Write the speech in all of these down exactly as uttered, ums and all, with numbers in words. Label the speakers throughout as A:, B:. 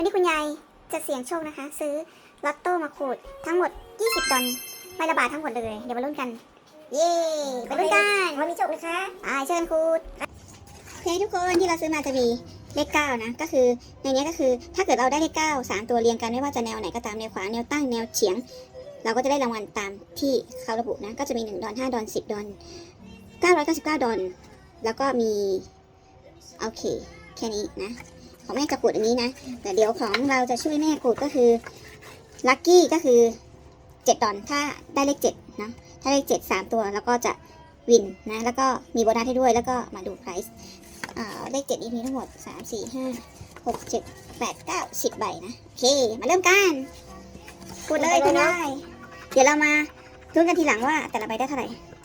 A: วันนี้คุณยายจะเสี่ยงโชคนะคะ ซื้อลอตโต้มาขูดทั้งหมดยี่สิบดอลใบละบาททั้งหมดเลยเดี๋ยวมาลุ้นกันเย้ไปลุ้นกันวันนี้โชคนะคะอ่าเชิญขูดโอเคทุกคนที่เราซื้อมาจะมีเลขเก้านะก็คือในนี้ก็คือถ้าเกิดเราได้เลขเก้าสามตัวเรียงกันไม่ว่าจะแนวไหนก็ตามแนวขวาแนวตั้งแนวเฉียงเราก็จะได้รางวัลตามที่เขาระบุนะก็จะมีหนึ่งดอลห้าดอลสิบดอลเก้าร้อยเก้าสิบเก้าดอลแล้วก็มีโอเคแค่นี้นะของแม่จะขูดอย่างนี้นะแต่เดี๋ยวของเราจะช่วยแม่ขูดก็คือลัคกี้ก็คือเจ็ดดอลถ้าได้เลขเจ็ดนะถ้าเลขเจ็ดสามตัวแล้วก็จะวินนะแล้วก็มีโบนัสให้ด้วยแล้วก็มาดูไพรซ์เลขเจ็ดนี้มีทั้งหมดสาม สี่ ห้า หก เจ็ด แปด เก้า สิบใบนะโอเคมาเริ่มกันขูดเลยคุณได้เดี๋ยวเรามาลุ้นกันทีหลังว่าแต่ละใบได้เท่าไหร่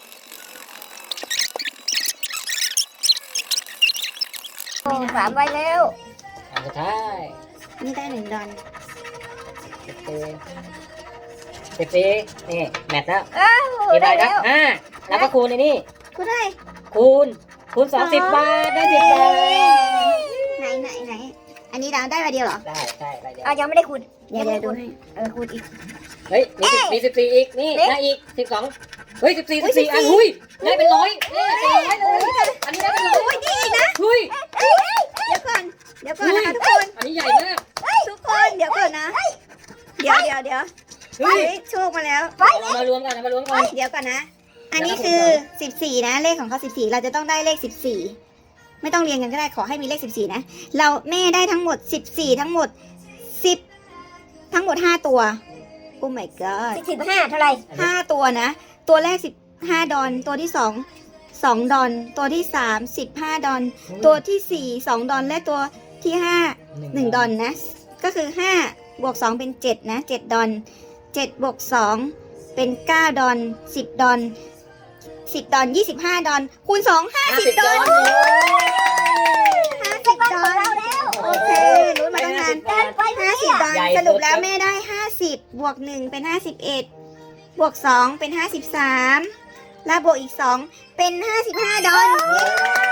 B: สามใบแล้ว
C: อันสุดท้าย
A: นี่ได้หนึ่งดอล
C: สิบสี่สิบสี่นี่แมทแล้ว
B: อ้าว
C: กี่ใบ
B: ได้
C: นะ
B: แล้ว
C: ห้าแล้วก็คูณในนี่
A: กูได้
C: คูณคูณสองสิบบาทได้สิบบาท
A: ไหนไหนไหนอันนี้เราได้ใบเดียวเหรอ
C: ได้ใช่ใบเดียว
B: อ้าวยังไม่ได้คูณ
A: เดี๋ยวเดี๋ยวดูให้
B: เออคูณอีก
C: เฮ้ยมีสิบมีสิบสี่อีกนี่
B: เอ๊ะ
C: ได้อีกสิบสองเฮ้ยสิบสี่สิบสี่อันหุ้ยได้เป็นร้อยนี่เป็นร้อยเลยอันนี้ได้เป็นร้อย
A: โอ้ยดีอีกนะ
C: หุ้ย
A: เดี๋ยวก่อนเดี๋ยวก่อนนะคะทุกคน
C: อันนี้ใหญ่มาก
A: ทุกคนเดี๋ยวก่อนนะเดี๋ยวเดี๋ยวเดี๋ยว
C: เฮ้ย
A: เฮ้ยโชคมาแล้ว
C: เอามารวมกันเอามารวมกัน
A: เดี๋ยวก่อนนะ อันนี้คือสิบสี่นะเลขของเขาสิบสี่เราจะต้องได้เลขสิบสี่ไม่ต้องเรียงกันก็ได้ขอให้มีเลขสิบสี่นะเราแม่ได้ทั้งหมดสิบสี่ทั้งหมดสิบทั้งหมดห้าตัวโอ้ my god
B: สิบห้าเท่าไหร่
A: ห้าตัวนะ ตัวแรกสิบห้าดอลตัวที่สองสองดอลตัวที่สามสิบห้าดอลตัวที่สี่สองดอลและตัวที่ห้าหนึ่งดอลนะก็คือห้าบวกสองเป็นเจ็ดนะเจ็ดดอลเจ็ดบวกสองเป็นเก้าดอลสิบดอลสิบดอลยี่สิบห้าดอลคูณสองห้าสิบดอลห้าสิบดอลโอเครู้มาตั้งนาน ห้าสิบดอลสรุปแล้วแม่ได้ห้าสิบบวกหนึ่งเป็นห้าสิบเอ็ดบวกสองเป็นห้าสิบสามแล้วบวกอีกสองเป็นห้าสิบห้าดอล